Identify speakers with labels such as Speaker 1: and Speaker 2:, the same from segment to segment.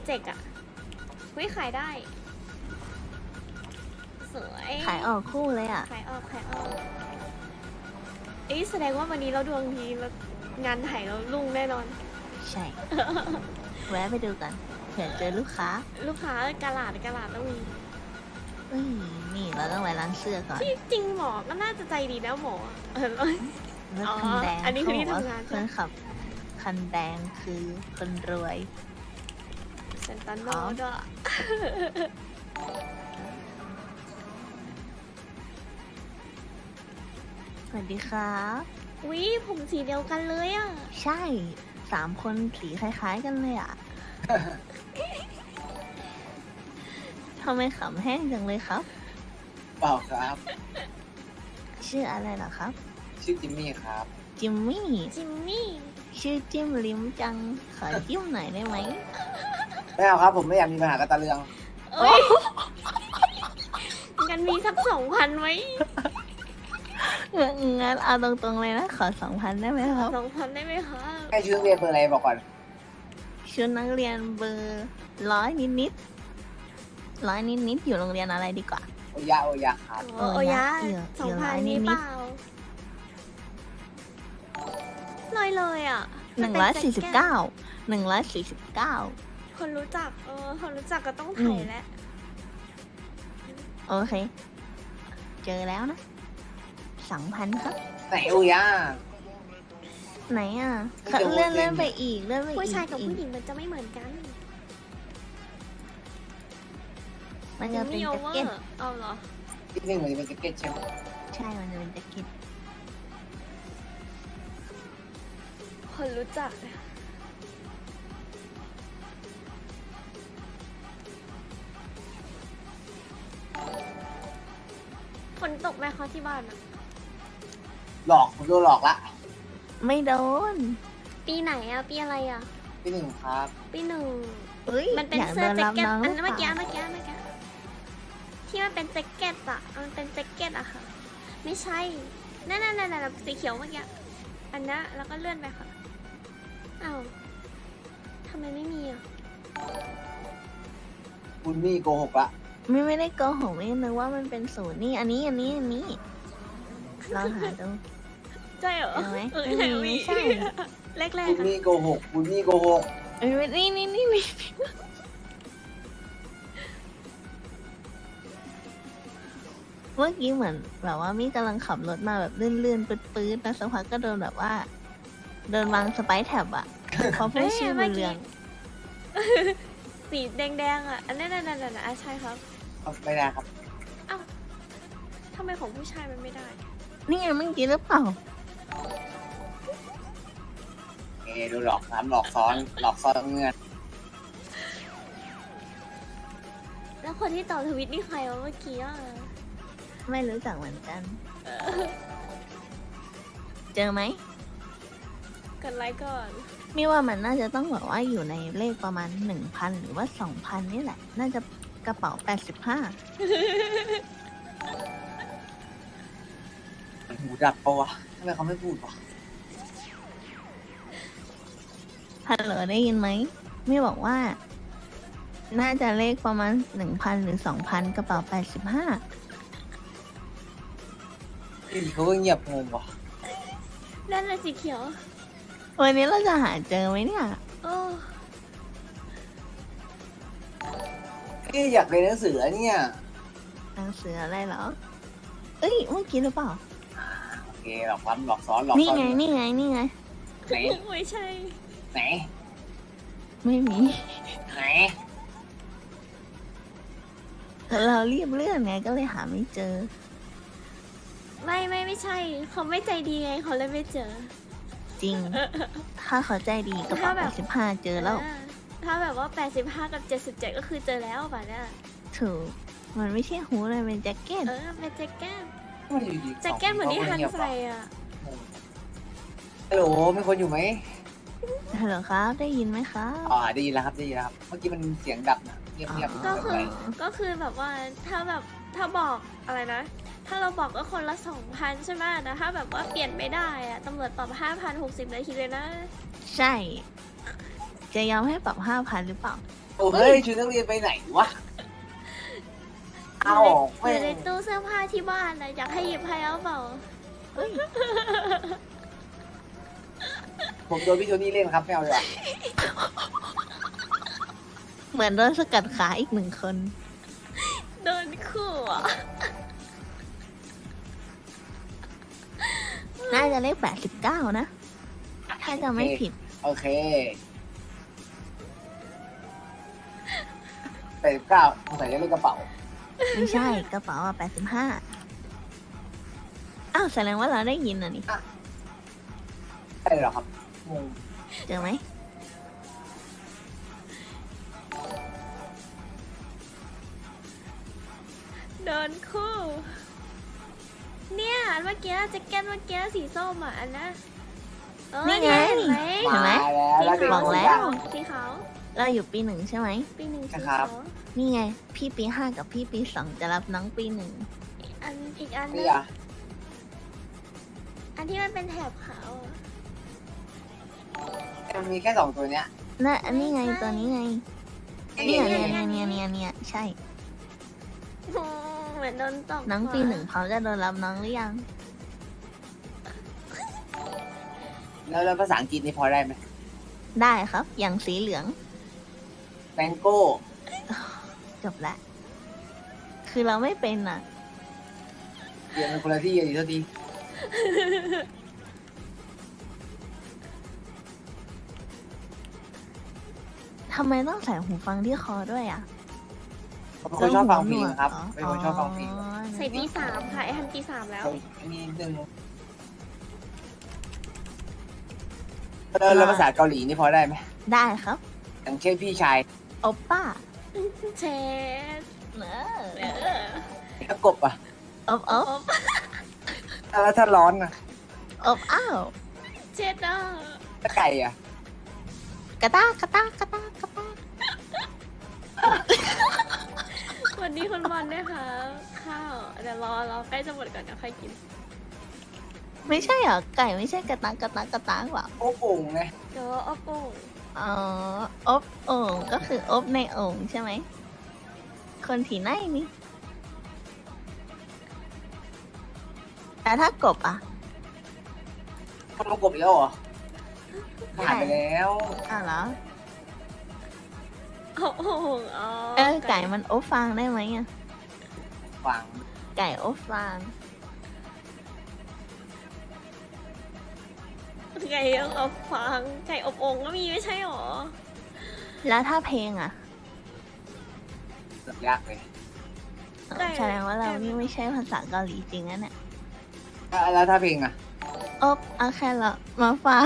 Speaker 1: เจกอะวิขายได้สวย
Speaker 2: ขายออกคู่เลยอ่ะ
Speaker 1: ขายออกเอ้ยแสดงว่าวันนี้เราดวงดีแล้วงานถ่ายเรารุ่งแน่นอน
Speaker 2: ใช่ แวะไปดูกันเผื่อเจอลูกค้า
Speaker 1: ลูกค้ากาลาดต้องมี
Speaker 2: เฮ้ยนี่เราต้องไปร้านเสื้อก่อน
Speaker 1: ที่จริงหมอก็น่าจะใจดีนะหมอ
Speaker 2: รถคันแดง
Speaker 1: อันนี้คือที่
Speaker 2: เขาบกว่
Speaker 1: ทำงาน
Speaker 2: เพื่อนขับ คันแดงคือคนรวย
Speaker 1: เซนตันโนด้วย
Speaker 2: สวัสดีครับ
Speaker 1: วิผมสีเดียวกันเลยอ่ะ
Speaker 2: ใช่3 คนสีคล้ายๆกันเลยอ่ะ ทำไมขำแห้งจังเลยครับ
Speaker 3: เปล่าครับ
Speaker 2: ชื่ออะไรเหรอครับ
Speaker 3: ชื่อจิมมี่ครับ
Speaker 2: จิมมี่
Speaker 1: จิมมี่
Speaker 2: ชื่อจิ้มลิ้มจัง ขอจิ้มหน่อยได้ไหม
Speaker 3: ไม่เอาครับผมไม่อยากมีปัญหากับตาเรือง
Speaker 1: เอ้ยงั้นมีสัก2,000ไว้
Speaker 2: งั้นเอาตรงๆเลยนะ ขอ2,000ได้ไหมครับ
Speaker 1: 2,000ได้ไหมคะ
Speaker 3: ให้ชื่อเรียนเบอร์อะไรบอกก่อน
Speaker 2: ชุดนักเรียนเบอร์100 นิดๆอยู่โรงเรียนอะไรดีกว่า
Speaker 3: โอยะครับ
Speaker 1: โอ้ยะ
Speaker 2: เอี่ยว
Speaker 1: 2,000
Speaker 2: นิ
Speaker 1: นี่
Speaker 2: ดๆ
Speaker 1: เปล่าเลยอ่ะ
Speaker 2: 149
Speaker 1: คนรู้จักคนรู้จักก็ต้องถ่ายแล้ว
Speaker 2: โอเค เจอแล้วนะ 2,000 ครับ
Speaker 3: ไหนโอยะ
Speaker 2: ไหนอ่ะ
Speaker 3: ไม่เจอ
Speaker 2: เลื่อน
Speaker 3: เว้ย
Speaker 2: ไปอีกเลื่อนไปอีก
Speaker 1: ผู้ชายกับผู้หญิงมันจะไม่เหมือนกัน
Speaker 2: มันจะเป็น
Speaker 1: โอ
Speaker 2: แจ็ค
Speaker 1: เวอ
Speaker 2: เก็ต
Speaker 1: ร์เอาเหรอ
Speaker 3: ที่นี่เหมือนจะเป็นแจ็คเก็ตใช่ไหม
Speaker 2: ใช่ มันจะเป็นแจ็คเก็ต
Speaker 1: คนรู้จักฝนตกไหมคะที่บ้านอะ
Speaker 3: หลอกผมโดนหลอกละ
Speaker 2: ไม่โดน
Speaker 1: ปีไหนอะปีอะไรอะ
Speaker 3: ที่หนึ่งครับ
Speaker 1: ปี1
Speaker 2: เอ้ย
Speaker 1: มันเป็น
Speaker 2: อยาก
Speaker 1: เสื้
Speaker 2: โด
Speaker 1: อน แจ็
Speaker 2: รั
Speaker 1: ค
Speaker 2: บ
Speaker 1: เก็ต
Speaker 2: น้อง
Speaker 1: อัน
Speaker 2: หรือ
Speaker 1: เมื่อ
Speaker 2: เป
Speaker 1: กี้
Speaker 2: ล่า
Speaker 1: ที่มันเป็นแจ็คเก็ตอะมันเป็นแจ็คเก็ตอะค่ะ ไม่ใช่นั่นสีเขียวเมื่อกี้อันนั้นแล้วก็เลื่อนไปค่ะอ้าวทำไมไม่มีอะ
Speaker 3: คุณมี่โกหกละ
Speaker 2: ไม่ได้โกหกไม่นึกว่ามันเป็นศูนย์นี่อันนี้ลองหาดู
Speaker 1: ใช่เหรอ
Speaker 2: เห็นไหม
Speaker 1: ไม่ใช่
Speaker 2: ไม่ใช่
Speaker 1: แรก
Speaker 3: คุณ
Speaker 1: ๆค่ะ
Speaker 3: มี่โกหกคุณมี่โกหก
Speaker 2: เอ้ยนี่เมื่อกี้เหมือนแบบว่ามี่กำลังขับรถมาแบบลื่นๆปื๊ดๆแล้วสักพักก็โดนแบบว่าโดนวางสไปร์แท็บอ่ะเขาพูดชื่อเรือง
Speaker 1: สีแดงๆอะอันนั้นใช่ครับ
Speaker 3: ไม่ได้ครับ
Speaker 1: อ้าวทำไมของผู้ชายมันไม่ได้
Speaker 2: นี่ไงเมื่อกี้หรือเปล่า
Speaker 3: ดูหลอกซ้ำหลอกซ้อนหลอกซ้อนเงิน
Speaker 1: แล้วคนที่ตอบทวิตนี่ใครวะเมื่อกี้อะ
Speaker 2: ไม่รู้จักเหมือนกัน เจอไหม
Speaker 1: กดไลค์ก่อน
Speaker 2: มี่ว่ามันน่าจะต้องแบบว่าอยู่ในเลขประมาณ 1,000 หรือว่า 2,000 นี่แหละ น่าจะกระเป๋า
Speaker 3: หูดับปะวะทำไมเขาไม่พูดวะ
Speaker 2: 85ฮัลโหลได้ยินไหมมี่บอกว่า น่าจะเลขประมาณ 1,000 หรือ 2,000 กระเป๋า 85
Speaker 3: ที่เขาก็เงียบงงวะ
Speaker 1: นั่นแหละสีเขียว
Speaker 2: วันนี้เราจะหาเจอไหมเนี่ย
Speaker 1: โอ้
Speaker 3: อยากเรียนหนังสือเนี่ย
Speaker 2: หนังสืออะไรเหรอ เอ้ย เมื่อกี้หรือเปล่า
Speaker 3: โอเคหลอกซ้ำหลอกซ้อนหลอก
Speaker 2: นี่
Speaker 3: ซ้อน
Speaker 2: ไง
Speaker 3: ไหน
Speaker 1: ไม่ใช่
Speaker 3: ไหน
Speaker 2: ไม่มี
Speaker 3: ไหน
Speaker 2: เรารีบเลื่อนไงก็เลยหาไม่เจอ
Speaker 1: ไม่ใช่ เขาไม่ใจดีไงเขาเลยไม่เจอ
Speaker 2: จริง ถ้าเขาใจดีกระเป๋า
Speaker 1: ถ้าแบบ
Speaker 2: 85 เจอแล้ว
Speaker 1: ถ้าแบบว่า 85 กับ 77 ก็คือเจอแล้วป่ะเนี่ย
Speaker 2: ถูก มันไม่ใช่หูเลยเป็นแจ็คเก็ต
Speaker 1: เป็นแจ็คเก็ต
Speaker 3: ไม่ได้อยู่ดี
Speaker 1: แจ็คเก็ตเหมือนที่ฮันใส่อะ
Speaker 3: ฮัลโหลมีคนอยู่ไหม
Speaker 2: ฮัลโหลครับ ได้ยินไหมครับ
Speaker 3: ได้ยินแล้วครับได้ยินแล้วครับ เมื่อกี้มันเสียงดับนะเงียบๆ
Speaker 1: ก็คือแบบว่าถ้าบอกอะไรนะ ถ้าเราบอกก็คนละ 2,000 ใช่ไหมแต่ถ้าแบบว่าเปลี่ยนไม่ได้อะตำรวจปรับ 5,000 60 นาทีเลยนะ
Speaker 2: ใช่ จะยอมให้ปรับ 5,000 หรือเปล่า
Speaker 1: ใ
Speaker 3: โอ้เฮ้ยชุดนักเรียนไปไหนวะเอา
Speaker 1: อ
Speaker 3: ไม่
Speaker 1: ยู่ในตู้เสื้อผ้าที่บ้านนะอยากให้หยิบให้เอาเปล่า
Speaker 2: เอ้ย
Speaker 3: ผมโดนพี่โทนี่เล่นครับไม่เอาดีกว่า
Speaker 2: เหมือนโดนสกัดขาอีกหนึ่งคน
Speaker 1: โดนขู่อ่ะ
Speaker 2: น่าจะเลข89นะ ถ้าจะไม่ผิด
Speaker 3: โอเค89ผมใส่จะเล่นกระเป๋า
Speaker 2: ไม่ใช่กระเป๋า85อ้าวแสดงว่าเราได้ยินอ่ะนี่
Speaker 3: ใช่เหรอครับงง
Speaker 2: เจอไหม
Speaker 1: โดนคู่เนี่ยอันเมื่อกี้แจ็คเก็ตเมื่อกี้สีส้มอ่ะอันนะ
Speaker 2: นี่ไง
Speaker 1: เห็นไหม
Speaker 2: เห็นไหม
Speaker 3: มาแล้ว
Speaker 1: สี
Speaker 2: บ
Speaker 1: ขา
Speaker 2: อ
Speaker 1: ว
Speaker 2: กแล้ว
Speaker 1: สีขาว
Speaker 2: เราอยู่ปี 1ใช่ไหม
Speaker 1: ปีหนึ่งสี
Speaker 3: ครั
Speaker 1: ขา
Speaker 3: บ
Speaker 1: ว
Speaker 2: นี่ไง พี่ปี 5กับพี่ปี 2จะรับน้องปี 1
Speaker 1: อันอีกอันนึ
Speaker 3: นี่
Speaker 1: ง
Speaker 3: อ่ะ
Speaker 1: อันที่มันเป็นแถบขาวอะ
Speaker 3: มันมีแค่2ตัวเนี้ย
Speaker 2: น่ะอันนี้ไงตัวนี้ไง เนี่ยใช่
Speaker 1: เหมือนโดนตบ
Speaker 2: น้องปี
Speaker 1: หัว
Speaker 2: 1เขาจะโดนรับน้องหรือยัง
Speaker 3: แล้วภาษาอังกฤษนี่พอได้ไหม
Speaker 2: ได้ครับ อย่างสีเหลือง
Speaker 3: แมงโก้
Speaker 2: จบละ คือเราไม่เป็นอ่ะ
Speaker 3: เรียนเป็นคนละที่กันดีเท่าที
Speaker 2: ทำไมต้องใส่หูฟังที่คอด้วยอ่ะ
Speaker 3: ผมเป็นคนชอบฟังเพลงครับเป็นคนชอบฟังเพลง
Speaker 1: ใส่ปี3ค่ะไอ้ทันปี3แล้ว
Speaker 3: มีหนึ่งแล้วภาษาเกาหลีนี่พอได้ไหม
Speaker 2: ได้ครับ
Speaker 3: อย่างเช่นพี่ชาย
Speaker 2: โอปป้า
Speaker 1: เชส
Speaker 2: เนอ
Speaker 3: แล้วกบอ่ะ
Speaker 2: อบอบ
Speaker 3: แล้วถ้าร้อนอ่ะ
Speaker 2: อบอ้าว
Speaker 1: เชสอ่ะ
Speaker 3: ถ้าไก่อ่ะ
Speaker 2: กระตากกระตากกระตากกระตาก
Speaker 1: วันนี้คุณบอลด้วยค่ะข้าวเดี๋ยวรอใกล้จะหมดก่อนเดี๋ยวค่อยกิน
Speaker 2: ไม่ใช่เหรอ ไก่ไม่ใช่กระตากกระตากกระตากหรอ
Speaker 3: โอ้โป่งไง
Speaker 1: เดี๋ยวเอาโป่ง
Speaker 2: อ๋ออบโอ่งก็คืออบในโอ่งใช่ไหม คนที่ไหนนี่ แต่ถ้ากบอ่ะ
Speaker 3: เขาลงกบอีกแล้วเหรอผ่านไปแล้ว
Speaker 2: อ้าวเหรอ
Speaker 1: เอาโป่งอ๋อ
Speaker 2: ไก่มันอบฟางได้ไหมอ่ะ
Speaker 3: ฟัง
Speaker 2: ไก่อบฟาง
Speaker 1: ไก่อบฟางไก่อบโอ่งก็มีไม่ใช่หรอ
Speaker 2: แล้วถ้าเพลงอ่ะ
Speaker 3: เกือบยากเลย
Speaker 2: แสดงว่าเรานี่ไม่ใช่ภาษาเกาหลีจริงนะเนี่ย
Speaker 3: แล้วถ้าเพลงอ่ะ
Speaker 2: อบเอาแค่ละมาฝาก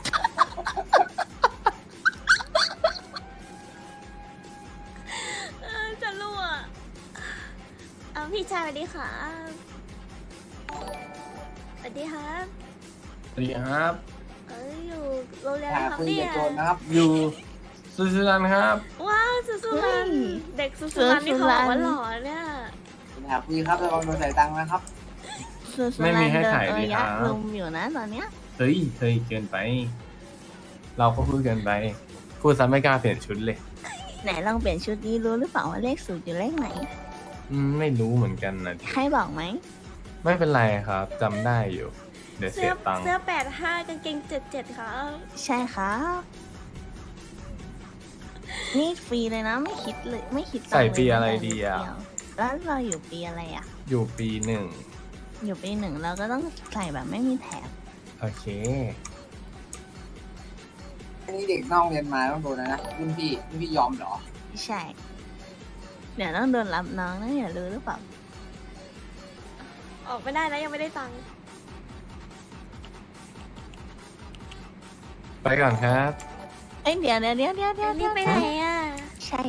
Speaker 1: จะรั่วเอาพี่ชายสวัสดีค่ะสวัสดีครับ
Speaker 4: สวัสดีครับ
Speaker 1: อยู่โรงเรียน
Speaker 3: หา
Speaker 1: นะครับ
Speaker 3: คุย
Speaker 1: เนี่
Speaker 3: กับ
Speaker 1: ย
Speaker 3: โจรนะครับ
Speaker 4: อยู่สุสานครับ
Speaker 1: ว้าวสุสุรัน
Speaker 2: เฮ้ย
Speaker 1: เด็กสุสุรันนี่เขาบอกว่าหล่อเนี่ย
Speaker 3: หาคุยครับระวังโดนใส่ตังค์นะครับ
Speaker 2: สุส
Speaker 4: ไม่
Speaker 2: รั
Speaker 4: มี
Speaker 2: น
Speaker 4: ให้
Speaker 2: เดิน
Speaker 4: ถ่าย
Speaker 2: เอ
Speaker 4: ดี
Speaker 2: อ
Speaker 4: ค
Speaker 2: ยั
Speaker 4: รั
Speaker 2: กษ์
Speaker 4: บ
Speaker 2: ลุมอยู่นะตอนเนี้ย
Speaker 4: เฮ้ยเกินไป เราก็พูดเกินไป พูดซ้ำไม่กล้าเปลี่ยนชุดเลย
Speaker 2: ไหนลองเปลี่ยนชุดนี้รู้หรือเปล่าว่าเลขสูตรอยู่เลขไหน
Speaker 4: ไม่รู้เหมือนกันนะ
Speaker 2: ให้บอกไหม
Speaker 4: ไม่เป็นไรครับจำได้อยู่ เดี๋ยวเสียตังค์
Speaker 1: เสื้อ85กางเกง77ค่ะ
Speaker 2: ใช่ครับ นี่ฟรีเลยนะไม่คิดเลยไม่คิดตังค์
Speaker 4: ใส่
Speaker 2: เลย
Speaker 4: ปีอะไรดีอ่ะ
Speaker 2: เยวแล้วเราอยู่ปีอะไรอ่ะ
Speaker 4: อยู่ปี1
Speaker 2: อยู่ปี 1เราก็ต้องใส่แบบไม่มีแถบ
Speaker 4: โอเค
Speaker 3: อันนี้เด็กนอกเรียนมาต้องโดนนะรุ่นพี่ยอมเหรอ
Speaker 2: ใช่ เดี๋ยวต้องโดนรับน้องนะอย่ารู้หรือเปล่า
Speaker 1: ออกไม่ได้แล้วยังไม่ได้ตังค์
Speaker 4: ไปก่อนครับ
Speaker 2: เอ้ยเดี๋ยว
Speaker 1: รีบไปไหนอ่ะ
Speaker 2: ใช่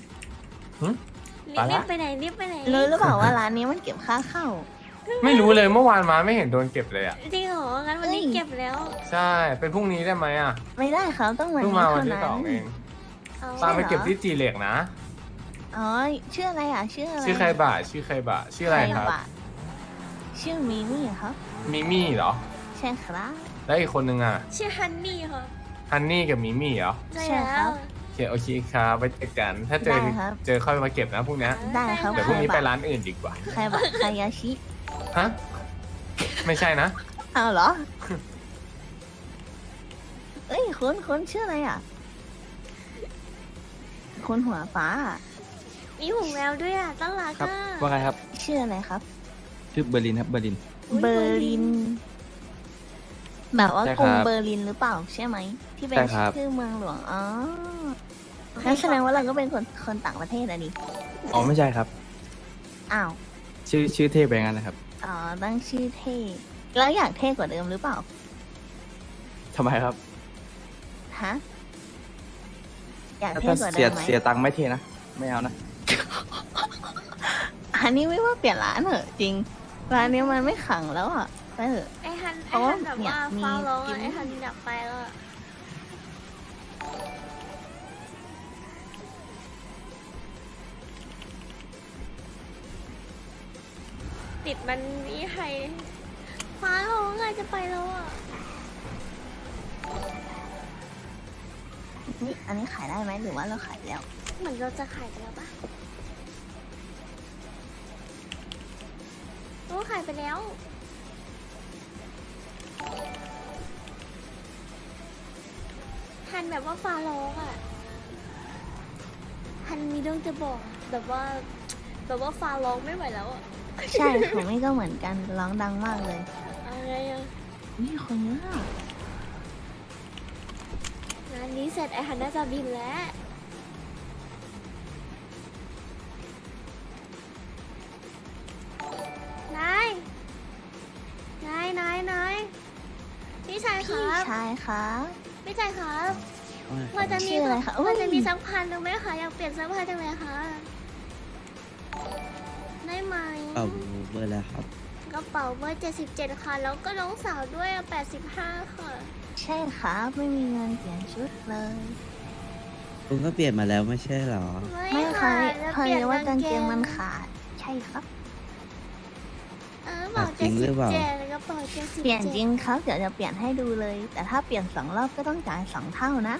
Speaker 4: ไปละ
Speaker 1: รีบไปไหนรีบไปไหน
Speaker 2: รู้หรือเปล่าว่าร้านนี้มันเก็บค่าเข้า
Speaker 4: ไม่รู้เลยเมื่อวานมาไม่เห็นโดนเก็บเลยอ่ะ
Speaker 1: จริงเหรองั้นวันนี้
Speaker 2: เฮ้ย
Speaker 1: เก็บแล้ว
Speaker 4: ใช่ เป็นพรุ่งนี้ได้ไหมอ่ะ
Speaker 2: ไม่ได้ครับต้องวัน
Speaker 4: เพิ่ง
Speaker 2: นี้
Speaker 4: มาวัน
Speaker 2: เท่า
Speaker 4: ที่
Speaker 2: นั้น
Speaker 4: 2เอง
Speaker 1: เอา
Speaker 2: ใช่
Speaker 4: ตาม
Speaker 2: เหรอ
Speaker 4: ไปเก็บที่จีเหล็กนะ
Speaker 2: อ๋อชื่ออะไรอ่ะชื่ออะไร
Speaker 4: ชื่อใครบ่าชื่ออะไรครับ
Speaker 2: ใะชื่อมิมี่ครับ
Speaker 4: มิมี่เหรอ
Speaker 2: ใช่ครับ
Speaker 4: แล้วอีกคนนึงอ่ะ
Speaker 1: ชื่อฮันนี่ค่ะ
Speaker 4: ฮันนี่กับมิมี่เหรอ
Speaker 1: ใช่
Speaker 2: ใช่
Speaker 1: แล้
Speaker 2: ครั
Speaker 1: ว
Speaker 2: บ
Speaker 4: โอเคครับไว้เจอกัน ถ้าเจอ
Speaker 2: ได้ครับ
Speaker 4: เจอค่อยมาเก็บนะพรุ่งนี้
Speaker 2: ได้ครับ
Speaker 4: เดี๋ยวพรุ่งนี้ไปร้านอื่นดีกว่า
Speaker 2: ใครบอกคายาชิ
Speaker 4: ฮะ ไม่ใช่นะ
Speaker 2: อ้าวเหรอ เอ้ยคุณชื่ออะไรอ่ะคุณหัวฟ้าอะ
Speaker 1: มีหูแมวด้วยอ่ะตั้งรัก
Speaker 5: ครับ
Speaker 1: อ่ะ
Speaker 5: ว่าไงครับ
Speaker 2: ชื่ออะไรครับ
Speaker 5: ชื่อเบอร์ลินครับเบอร์ลิน
Speaker 1: อุ๊ย
Speaker 2: เบอร์ลิน แบบว่า
Speaker 5: ใช่
Speaker 2: กรุง
Speaker 5: ครับ
Speaker 2: เบอร์ลินหรือเปล่าใช่ไหม ที่เป็น
Speaker 5: ใช่ครับ
Speaker 2: ชื่อเมืองหลวง อ๋องั้นแสดงว่าเราก็เป็นคนต่างประเทศอะดิ
Speaker 5: อ๋อไม่ใช่ครับ
Speaker 2: อ้าว
Speaker 5: ชื่อเทพไปงั้นนะครับ
Speaker 2: อ๋อ ตั้งชื่อเท่ แล้วอยากเท่กว่าเดิมหรือเปล่า
Speaker 5: ทำไมครับ
Speaker 2: ฮะ อยาก
Speaker 5: ถ้า
Speaker 2: เท่กว่าเดิมไหม
Speaker 5: เสียตังค์ไม่เทนะ ไม่เอานะ
Speaker 2: อันนี้ไม่ว่าเปลี่ยนร้านเหอะจริง ร้านนี้มันไม่ขังแล้วอ่ะไปเถอะ
Speaker 1: ไอ้ฮัน
Speaker 2: เพราะว่า
Speaker 1: แบบ
Speaker 2: เนี่ย
Speaker 1: ว่า
Speaker 2: มี
Speaker 1: ฟ้าร้อง
Speaker 2: จิ้
Speaker 1: อะ
Speaker 2: ม
Speaker 1: ไอ้ฮันอยากไปแล้วอะติดมันนี่ใครฟ้าร้องอะจะไปแล้วอะ
Speaker 2: นี่อันนี้ขายได้ไหมหรือว่าเราขายไปแล้ว
Speaker 1: เหมือนเราจะขายไปแล้วปะโอ้ขายไปแล้วฮันแบบว่าฟ้าร้องอะฮันมีเรื่องจะบอกแบบว่าฟ้าร้องไม่ไหวแล้วอะ
Speaker 2: ใช่ของนี่ก็เหมือนกันร้องดังมากเลย
Speaker 1: อะไรอะ
Speaker 2: นี่คนเยอะอะ
Speaker 1: งานนี้เสร็จไอ้ฮันน่าจะบินแล้วนายพี่ชายค
Speaker 2: พี่
Speaker 1: รับ
Speaker 2: ชายคะ
Speaker 1: พี่ชายครับพอจะมี
Speaker 2: ชื่ออะไรคะ
Speaker 1: พอจะมี
Speaker 2: อุ้ย
Speaker 1: สักพันหนึ่งไหมคะอยากเปลี่ยนเสื้อผ้าจังเลยคะได้ไหม
Speaker 6: เอาเบอร์แล้วครับ
Speaker 1: กระเป๋าเบอร์77ค่ะแล้วก็น้องสาวด้วยอะ85ค่ะ
Speaker 2: ใช่ครับไม่มีเงินเปลี่ยนชุดเลย
Speaker 6: คุณก็เปลี่ยนมาแล้วไม่ใช่เหรอ
Speaker 2: ไม่เคย
Speaker 1: แล้ว
Speaker 2: พอ
Speaker 1: เปลี่ย
Speaker 2: ดี
Speaker 1: น
Speaker 2: ว่ากางเกงมันขาด ใช่ครับ
Speaker 1: บอก
Speaker 6: จริงหรือเปล่า
Speaker 1: 77กระเป๋า77
Speaker 2: เปลี่ยนจริงครับ เดี๋ยวจะเปลี่ยนให้ดูเลย แต่ถ้าเปลี่ยน2 รอบก็ต้องจ่าย2 เท่านะ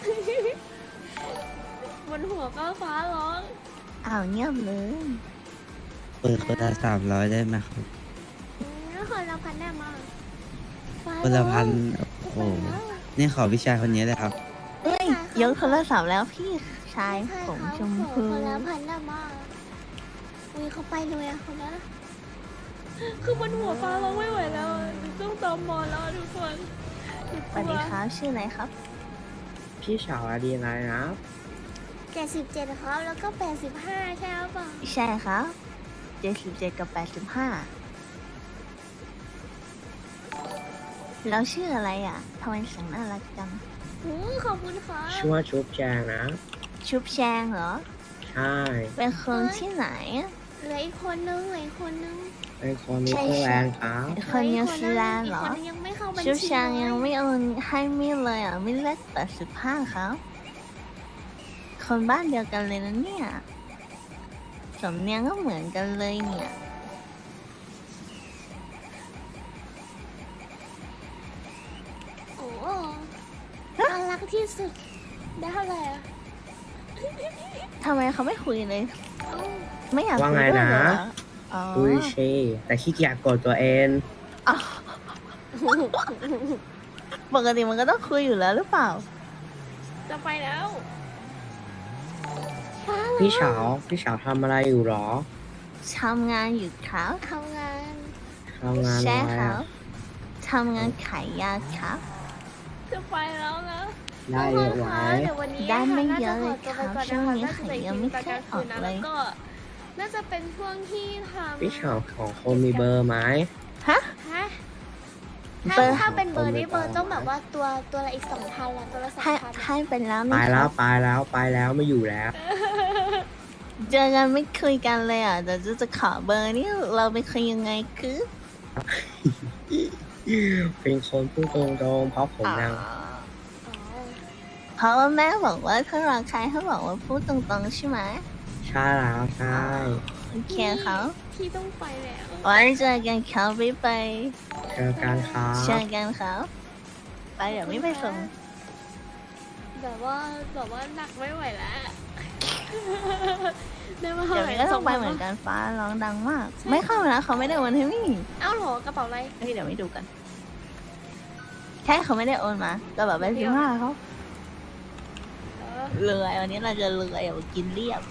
Speaker 1: บนหัวก็ฟ้าร้อง
Speaker 2: อ้าวเงียบเลย
Speaker 6: เปิดคนละ300ได้ไหมครับ
Speaker 1: คนละพันได้มาฟ้า
Speaker 6: คนละพัน
Speaker 1: ร้อง
Speaker 6: โอ้โห นี่ขอวิชาคนนี้เลยครับ
Speaker 2: เอ้ยยกโทรศัพท์แล้วพี่ชาย
Speaker 1: ใช่
Speaker 2: ผม
Speaker 1: ครับ
Speaker 2: ชม
Speaker 1: ขอ
Speaker 2: พู
Speaker 1: คนละพันได้มาอุ้ยเขาไปเลยอะคนนั้นอะคือบนหัวฟ้าร้องไม่ไหวแล้วอะต้องตอมอแล้วอะทุกคน
Speaker 2: สวัสดีครับชื่ออะไรครับ
Speaker 3: พี่สาวดีอะไรนะ
Speaker 1: 77ครับแล้วก็85ใช่หรือเปล่า
Speaker 2: ใช่ครับ77กับ85แล้วชื่ออะไรอ่ะทำไมเสียงน่ารักจัง
Speaker 1: ขอบคุณครับ
Speaker 3: ชื่อว่าชุบแจงนะ
Speaker 2: ชุบแชงเหรอ
Speaker 3: ใช่
Speaker 2: เป็นคนที่ไหนอะ
Speaker 1: เหลืออีกคนนึงเหลืออีกคนนึง
Speaker 3: เป็นคนนิ
Speaker 2: ใช่
Speaker 3: เทอร์แลนด์ครับ
Speaker 2: คนนิวซีแลนด์เหรอ
Speaker 1: กคนนึงยังไม่เข้าบัญชี
Speaker 2: ชุบแชง
Speaker 1: เล
Speaker 2: ยังไม่โอนให้มิเลยอ่ะมิเล็ก85ครับ คนบ้านเดียวกันเลยนะเนี่ยสำเนียงก็เหมือนกันเลยเนี่ย
Speaker 1: โอ้น่ารักที่สุด ได้เท่าไหร่อะ
Speaker 2: ทำไมเขาไม่คุยเลย
Speaker 1: เอ้า
Speaker 2: ไม่อยาก
Speaker 3: ว่า
Speaker 2: คุย
Speaker 3: ไง
Speaker 2: ด้วย
Speaker 3: นะ
Speaker 2: เหรออ๋อ
Speaker 3: คุยเชแต่ขี้เกียจกดตัวเอง
Speaker 2: อ๋อปกติมันก็ต้องคุยอยู่แล้วหรือเปล่า
Speaker 1: จะไปแล้ว
Speaker 3: พี่สาวทำอะไรอยู่หรอ
Speaker 2: ทำงานอยู่ครับ
Speaker 1: ทำงาน
Speaker 3: ทำงาน
Speaker 2: ใช่
Speaker 3: อะไร
Speaker 2: ครั
Speaker 3: อะ
Speaker 2: บทำงานขายยาครับ
Speaker 1: จะไปแล้วนะ
Speaker 3: ได้เยอะไหม
Speaker 1: เดี๋ยววันนี้
Speaker 2: ได้ไม่
Speaker 1: น่า
Speaker 2: เย
Speaker 1: จะ
Speaker 2: อะ
Speaker 1: ข
Speaker 2: เล
Speaker 1: อย ตัว
Speaker 2: ค
Speaker 1: ไป
Speaker 2: รับ
Speaker 1: ก่อน
Speaker 2: ช่ว
Speaker 1: นะ
Speaker 2: ง
Speaker 1: คะ
Speaker 2: นี้
Speaker 1: น่าจะ
Speaker 2: ขาย
Speaker 1: ใส่
Speaker 2: ยั
Speaker 1: กิ
Speaker 2: ง
Speaker 1: น
Speaker 2: ไม่
Speaker 1: ตอน
Speaker 2: เค
Speaker 1: ก
Speaker 2: ย
Speaker 1: ลาง
Speaker 2: อ
Speaker 1: คื
Speaker 2: อน ก
Speaker 1: นะ
Speaker 2: เล
Speaker 1: แล้ว
Speaker 2: ย
Speaker 1: ก็น่าจะเป็นช่วงที่ทำ
Speaker 3: พี่สาวของคนมีเบอร์ไหม
Speaker 2: ฮะ
Speaker 1: ฮะ
Speaker 2: เบอร์
Speaker 1: ถ้าเป็นเบอร์นี้เบอร์ต้องแบบว่าตัวละอีก2,000ละตัวละ
Speaker 2: ให้
Speaker 1: 2,000
Speaker 2: ให้เป็นแล้ว
Speaker 3: ไป
Speaker 2: นะค
Speaker 3: แล้
Speaker 2: รั
Speaker 3: ว
Speaker 2: บ
Speaker 3: ไปแล้วไปแล้วไม่อยู่แล้ว
Speaker 2: เจอกันไม่คุยกันเลยอ่ะแต่จะขอเบอร์นี่เราไปคุยยังไงคือ
Speaker 3: เป็นคนพูดตรงๆเพราะผมยัง
Speaker 2: เพราะว่าแม่บอกว่าถ้ารักใครเขาบอกว่าพูดตรงๆใช่ไหม
Speaker 3: ใช่แล้วใช่
Speaker 2: โอเคเขา
Speaker 1: ที่ต้องไปแล้ว
Speaker 2: ไว้เจอกันเขาไป
Speaker 3: เจอกันครับ
Speaker 2: เจอกันเขาไปเดี๋ยวไม่ไปส่ง
Speaker 1: แบบว่าหนักไม่ไหวแล้ว ได้มา
Speaker 2: เดี๋ยวนี้ก็ต้องไปเหมือนกันฟ้าร้องดังมาก ไม่เข้านะเขาไม่ได้โอนให้มี่
Speaker 1: เอ้าเหรอกระเป๋าอะไร
Speaker 2: เฮ้ยเดี๋ยวไม่ดูกัน แค่เขาไม่ได้โอนมาก็แบบเป็น15เขา
Speaker 1: เออ
Speaker 2: เลยวันนี้เราจะเลยอย่ากินเรียบ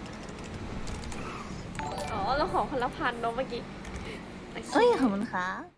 Speaker 1: อ๋อเราขอคนละพันเนาะเมื่อกี้โอเค
Speaker 2: เอ้ยขอบคุณค่ะ